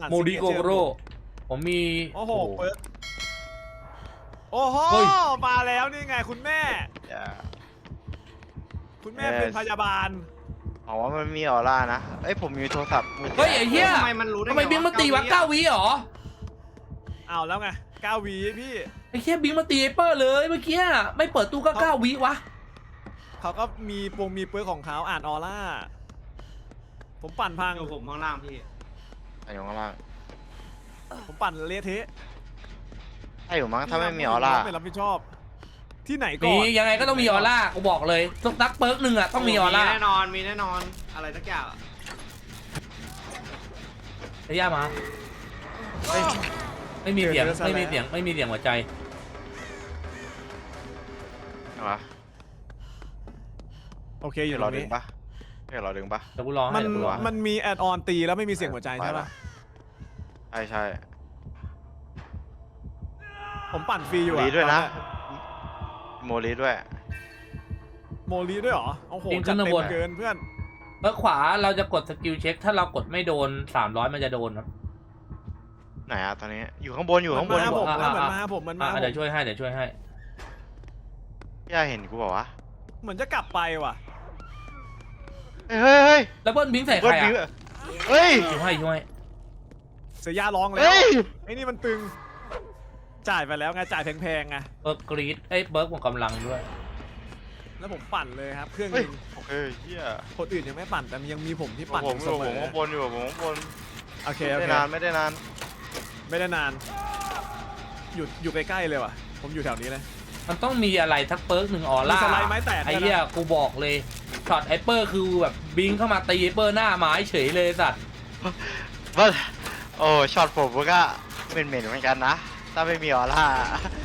โมริโกโร่ผมมีโอ้โหเปิดโอ้โหมาแล้วนี่ไงคุณแม่ คุณแม่เป็นพยาบาลอ๋อว่ามันมีออร่านะเอ้ยผมมีโทรศัพท์มือถืเฮ้ยไอ้เหี้ยทำไมมันรู้ได้ทำไมบิงมาตีวะ9 วิเหรอเอาแล้วไง9 วิพี่ไอ้เหี้ยบิงมาตีไอ้เปอร์เลยเมื่อกี้ไม่เปิดตู้ก็9 วิวะเขาก็มีเปิร์กของเขาอ่านออร่าผมปั่นพังอยู่ผมข้างล่างพี่ไอ้อยู่ข้างล่างผมปั่นเละเทะใช่อยู่มั้งถ้าไม่มีออร่าไม่รับผิดชอบที่ไหนก่มีอนยังไงก็ต้องมีออร่ากูบอกเลยสักเปิร์กหนึ่งอะต้องมีออร่าแน่นอนมีแน่นอนอะไรสักอย่างไอ้ย่ามาไม่มีเสียงไม่มีเสียงไม่มีเสียงหัวใจอะไรวะโอเคอยู่ตรรอง ดึนี้งปะรอดึงปะเดี๋ยวกูร้องให้มันเดี๋ยวกูร้องให้มันมีแอดออนตีแล้วไม่มีเสียงหัวใจใช่ปะใช่ใช่ผมปั่นฟรีอยู่โมอะลีด้วยนะโมลีด้วยโมลีด้วยเหรอโอ้โหจัดเต็มเกินเพื่อนเปิร์กขวาเราจะกดสกิลเช็คถ้าเรากดไม่โดน300มันจะโดนครับไหนอะตอนนี้อยู่ข้างบนอยู่ข้างบนมันอยู่ผมแล้วเหมือนมาผมมันมาเดี๋ยวช่วยให้เดี๋ยวช่วยให้พี่อาเห็นกูบอกว่าเหมือนจะกลับไปว่ะเฮ้ยแล้วเบิ้ลบิงใส่ใคเบิรร์ดบิวอะเฮ้ยช่วยช่วยเสียยาร้องแล้วเฮ้ยไอ้นี่มันตึงจ่ายไปแล้วไงจ่ายแพงๆไงเบิร์กกรีดเอ้ยเบิร์กหมดกำลังด้วยแล้วผมปั่นเลยครับเครื่องเฮ้ยนึงโอเคเฮียคนอื่นยังไม่ปั่นแต่ยังมีผมที่ปั่นผมเสมอข้างบนอยู่ผมข้างบนโอเคไม่โอได้เคนานไม่ได้นานไม่ได้นานอยู่ใกล้ๆเลยว่ะผมอยู่แถวนี้เลยมันต้องมีอะไรทักเปิร์กหนึ่งออร่ามีสไลด์ไม้แตกไอ้เหี้ยกูบอกเลยช็อตไอเปอร์คือแบบบิงเข้ามาตีไอเปอร์หน้าไม้เฉยเลยสัตว์ว่าโอ้ช็อตผมก็เหม็นเหมือนกันนะถ้าไม่มีออร่า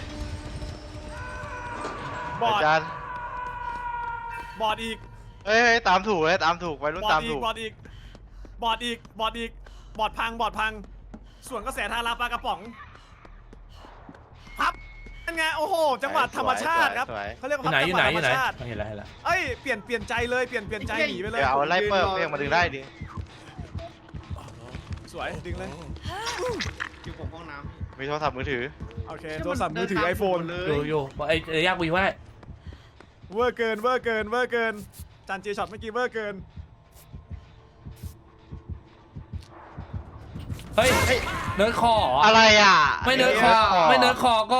บอดอาจารย์บอดอีกเฮ้ยตามถูกเลยตามถูกไปรุ่นบอตาดมอีถูกกบอดอีกบอดอีกบอดอีกบอดพังบอดพัง ส่วนกระแสทาราปลากระป๋องพับเป็นไงโอ้โหจังหวะธรรมชาติครับเขาเรียกอว่ายู่พับไหนอยู่จังหไหนวะธรรมชาติเห็นแล้วเห็นแล้วเอ้ยเปลี่ยนใจเลยเปลี่ยนใจหนีไปเลยเดี๋ยวเอาไล่เปิร์เรียกมาดึงได้ดิสวยดึงเลยอยู่ผมห้องน้ำมีโทรศัพท์มือถือโอเคโทรศัพท์มือถือไอโฟนเลอยู่ไอ้ยากกูอยู่ไว้เวอร์เกินเวอร์เกินเวอร์เกินจานเจช็อตเมื่อกี้เวอร์เกินเฮ้ยเนิร์ดคออะไรอ่ะไม่เนิร์ดคอไม่เนิร์ดคอก็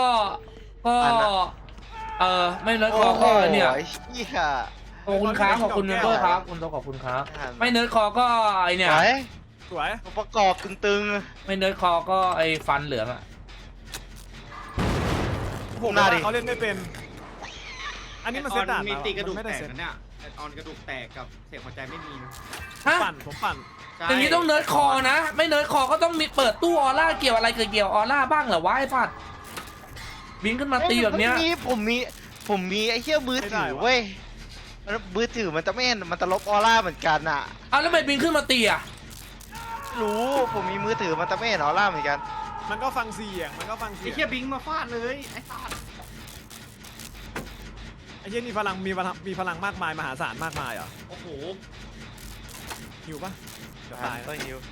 ไม่เนิร์ดคอก็เนี่ยไอ้เหี้ยขอบคุณครับขอบคุณเมมเบอร์ครับคุณต้องขอบคุณครับไม่เนิร์ดคอก็ไอเนี่ยไหนสวยประกอบตึงไม่เนิร์ดคอก็ไอฟันเหลืองอ่ะผมว่าเขาเล่นไม่เป็น อันนี้มันเซตด่านมีตีกระดูกไม่แตได้กเซตนะเนี่ยแอดออนกระดูกแตกกับเสียงหัวใจไม่มีนะฮะผมปั่นใช่อย่างนี้ต้องเนิร์ดคอนะ ไม่เนิร์ดคอก็ต้องมีเปิดตู้ออร่าเกี่ยวอะไรเกี่ยวออร่าบ้างเหรอวะไอ้ฟัดบิงขึ้นๆมาตีแบบเนี้ยผมมีไอ้เหี้ยมือถือเว้ยมือถือมันจะไม่เห็นมันจะลบออร่าเหมือนกันอ่ะเอาแล้วทำไมบิงขึ้นมาตีอ่ะรู้ผมมีมือถือมันจะไม่เห็นออร่าเหมือนกันมันก็ฟังเสียงมันก็ฟังเสีไอ้ยงเคียบิงมาฟาดเลยไอ้สัสไอ้เหี้ยนี่พลังมีพลังมากมายมหาศาลมากมายเหรอโอ้โหหิวปะเดี๋ยวตายต้องฮิว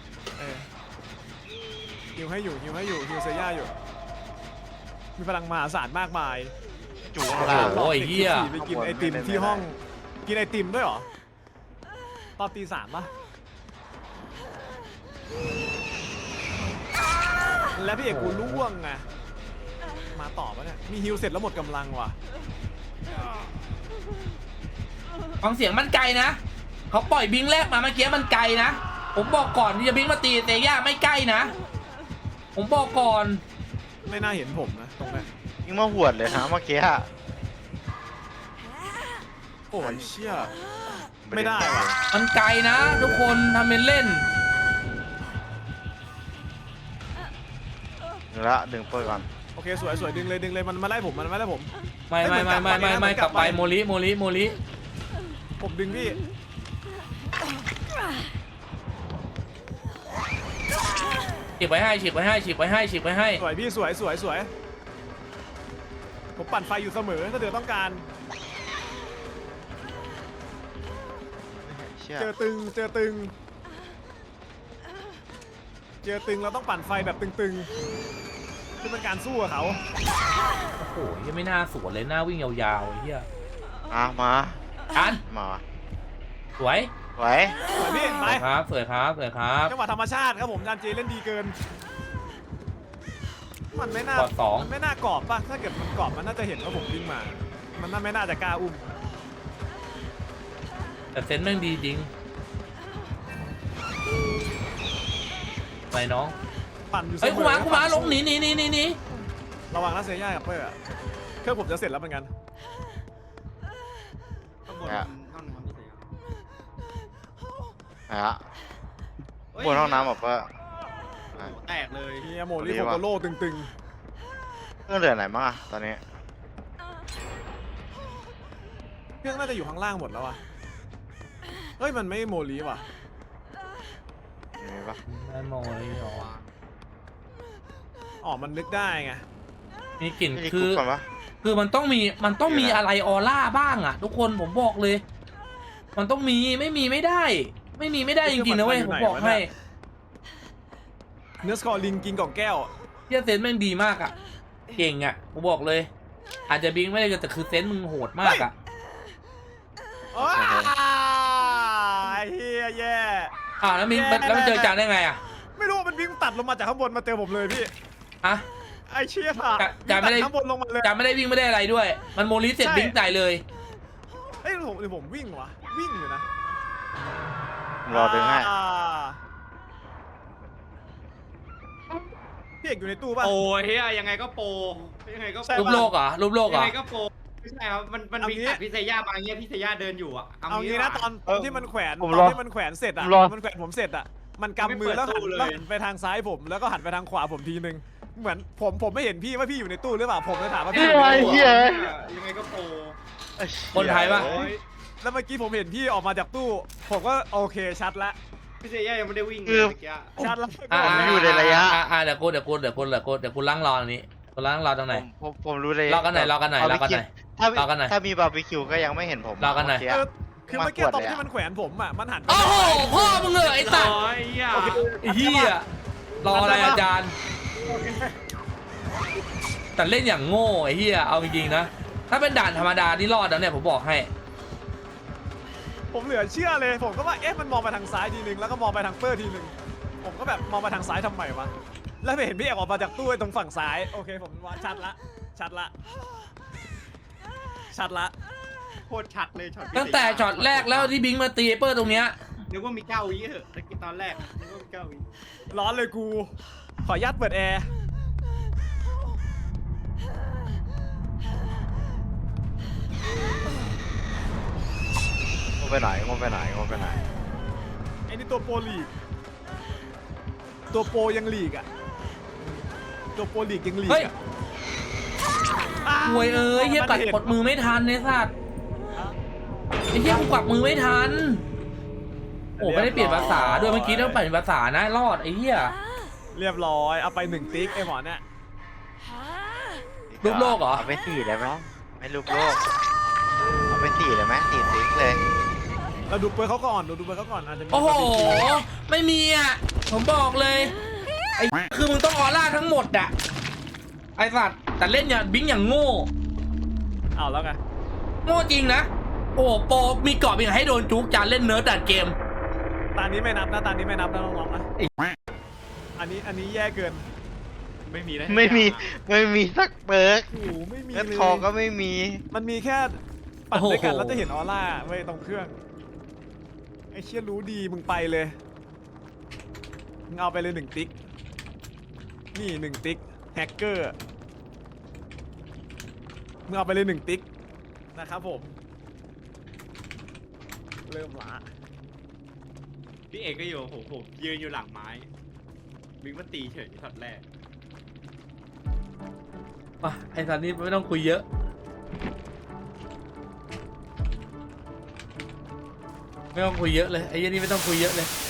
หิวให้อยู่หิวเซย่าอยู่ มีพลังมหาศาลมากมายจู่ข้างล่างโอ้ยเหี้ยไปกินไอติมที่ห้องกินไอติมด้วยเหรอตอนตี 3ปะแล้วพี่เอกกูล่วงไงมาต่อปะเนี่ยมีฮิวเสร็จแล้วหมดกำลังว่ะฟังเสียงมันไกลนะเขาปล่อยบิงแรกมาเมื่อกี้มันไกลนะผมบอกก่อนที่จะบิงมาตีเตย่าไม่ใกล้นะผมบอกก่อนไม่น่าเห็นผมนะตรงนี้นยิงมาหวดเลยนะเมื่อกี้อะโอ้ยเชี่ยไม่ได้ว่ะมันไกลนะ ทุกคนทำเป็นเล่นดึงเปิดก่อนโอเคสวยดึงเลยมันมาไล่ผมมันมาไล่ผมไม่กลับไปโมลิผมดึงพี่ฉีกไว้ให้สวยพี่สวยผมปั่นไฟอยู่เสมอถ้าเดือต้องการเชี่ยเจอตึงเจอตึงเราต้องปั่นไฟแบบตึงๆคือเป็นการสู้กับเขาโอ้โหยังไม่น่าสวนเลยหน้าวิ่งยาวๆไอ้เหี้ยมาอันมาสวยไหวสวยพี่สไปวยครับสวยครับสวยครับจังหวะธรรมชาติครับผมจานจีเล่นดีเกิน มันไม่น่ากอดสองมันไม่น่ากรอบป่ะถ้าเกิดมันกรอบมันน่าจะเห็นว่าผมวิ่งมา มันน่าไม่น่าจะกล้าอุ้มแต่เซนส์แม่งดีจริงไปน้องปั่นอยู่เสมเฮ้ยอกูมาลงหนีระวังนะเซย่ากับเปอร์อะเครื่องผมจะเสร็จแล้วเหมือนกันข้างบนห้องน้ำไม่ใช่เหรอฮะบนห้องน้ำแบบว่าโอ้โหแตกเลยเฮียโมลิโคโกโร่ตึงเครื่องเดือดไหนบ้างอะตอนนี้ๆ เครื่องน่าจะอยู่ข้างล่างหมดแล้วอะเฮ้ยมันไม่โมลิว่ะมีปะไม่มอยหรออ๋อมันนึกได้ไงมีกลิ่นมีคืคุอกก่อนปะคือมันต้องมีอะไรออร่าบ้างอ่ะ ทุกคนผมบอกเลย มันต้องมีไม่มีไม่ได้ ไม่มีไม่ได้จริงๆนะเว้ยผมบอกให้เนื้อสกอร์ลิงกินกล่องแก้วเฮียเซนส์แม่งดีมากอ่ะเก่งอ่ะผมบอกเลย อาจจะบิงไม่ได้แต่คือเซนส์มึงโหดมากอ่ะว้าไอ้เฮียแย่แล้วบิงแล้วมันเจอจานได้ไงอ่ะไม่รู้ว่ามันวิ่งตัดลงมาจากข้างบนมาเจอผมเลยพี่ฮะไอ้เชี่ยค่ะจานไม่ได้วิ่งตัข้างบนลงมาเลยจานไม่ได้วิ่งไม่ได้อะไรด้วย มันโมลิเสร็จใช่บิงใส่เลยเอ้ยผมวิ่งวะวิ่งอยู่นะรอดึงให้พี่เอกอยู่ในตู้ป่ะโอ้ยเฮียยังไงก็โปรยังไงก็ใช่รูปโลกเหรอรูปโลกเหรยัองไงก็โปรไม่ใช่ครับมันเอาวิ่งงี้ตัดพิเศษย่ามาเงี้ยพิเศษย่าเดินอยู่อ่ะเอางี้นะดีกตว่าอนที่มันแขวนผมตรออนที่มันแขวนเสร็จอะผมรอมันแขวนผมเสร็จอะมันกำมือแล้วหันไปทางซ้ายผมแล้วก็หันไปทางขวาผมทีนึงเหมือนผมไม่เห็นพี่ว่าพี่อยู่ในตู้หรือเปล่าผมเลยถามว่าพี่อยู่ในตู้เหี้ยยังไงก็โปรคนไทยปะโอ้ยแล้วเมื่อกี้ผมเห็นพี่ออกมาจากตู้ผมก็โอเคชัดละพิเศษย่ายังไม่ได้วิ่งเลยคือเมื่อกี้ชัดละผมอยู่ในระยะเดี๋ยวกูล้างรอตรงนี้กูล้างรอตรงไหนผมรู้เลยรอกันหน่อยรอกันหน่อยรอกันหน่อย รอกันหน่อยถ้ามีบาร์บีคิวก็ยังไม่เห็นผมรอกันหน่อยเมื่เออคือเมื่อกี้มาขวดตอนเลยอะที่มันแขวนผมอะมันหันไปโอ้โหพ่อมึงเหรอไอ้สัตว์โอ้ยเฮียโอเคไอ้เหี้ยรออะไรอาจารย์ แต่เล่นอย่างโง่ไอ้เหี้ยเอาจริงๆนะ ถ้าเป็นด่านธรรมดานี่รอดแล้วเนี่ยผมบอกให้ผมเหลือเชื่อเลยผมก็ว่าเอ๊ะมันมองไปทางซ้ายทีนึงแล้วก็มองไปทางเปอร์ทีนึงผมก็แบบมองไปทางซ้ายทำไมวะแล้วไปเห็นพี่เอกออกมาจากตู้ไอ้ตรงฝั่งซ้ายโอเคผมว่าชัดละชัดละโคตรชัดเลยช็อตตั้งแต่ช็อตแรกแล้วที่บิงมาตีเปอร์ตรงเนี้ยนึกว่ามีเก้าวิเหอะตอนแรกนึกว่ามีเก้าวิร้อนเลยกู ขออนุญาตเปิดแอร์งงไปไหนไอ้นี่ตัวโปรลีก ตัวโปรยังลีกอ่ะ ตัวโปรลีกยังลีกเฮ้ยอ่ะหวยเอ้ยเหี้ยกัดกดมือไม่ทันไอ้สัตว์ไอ้เหี้ยกูกวักมือไม่ทัน โอ้ไม่ได้เปลี่ยนภาษาด้วยเมื่อกี้ต้องเปลี่ยนภาษานะรอดไอ้เหี้ยเรียบร้อยเอาไป1ติ๊กไอ้หมอเนี่ยรูปโลกเหรอเอาไป4เลยไหมไม่รูปโลก เอาไป4เลยไหม4ติ๊กเลยเราดูเปิร์เขาก่อนดูเปิร์เขาก่อนอาจจะมีโอ้โหบาร์บีคิวไม่มีอ่ะ ผมบอกเลย ไอ้คือมึงต้องออร่าทั้งหมดอ่ะ ไอ้สัตว์แต่เล่นอย่างบิงอย่างโง่เอาแล้วไงโง่จริงนะ โอ้โปรมีกรอบอย่างให้โดนจุกจานเล่นเนิร์ดดัดเกมตานี้ไม่นับนะตานี้ไม่นับนะน้องๆนะอันนี้แย่เกินไม่มีนะไม่มีสักเบิร์กโอ้โหไม่มีเงินเลยทองก็ไม่มีมันมีแค่ปัดด้วยกันโอ้โหแล้วจะเห็นออร่าไว้ยตรงเครื่องไอ้เชี่ยรู้ดีมึงไปเลยมึงเอาไปเลย1ติ๊กนี่1ติ๊กแฮกเกอร์มึงเอาไปเลย1ติ๊กนะครับผมเริ่มละพี่เอกก็อยู่ผมยืนอยู่หลังไม้บิ๊กมันตีเฉยช็อตแรกอ่ะไอ้สัตว์นี่ไม่ต้องคุยเยอะ ไม่ต้องคุยเยอะเลยไอ้เหี้ยนี่ไม่ต้องคุยเยอะเลย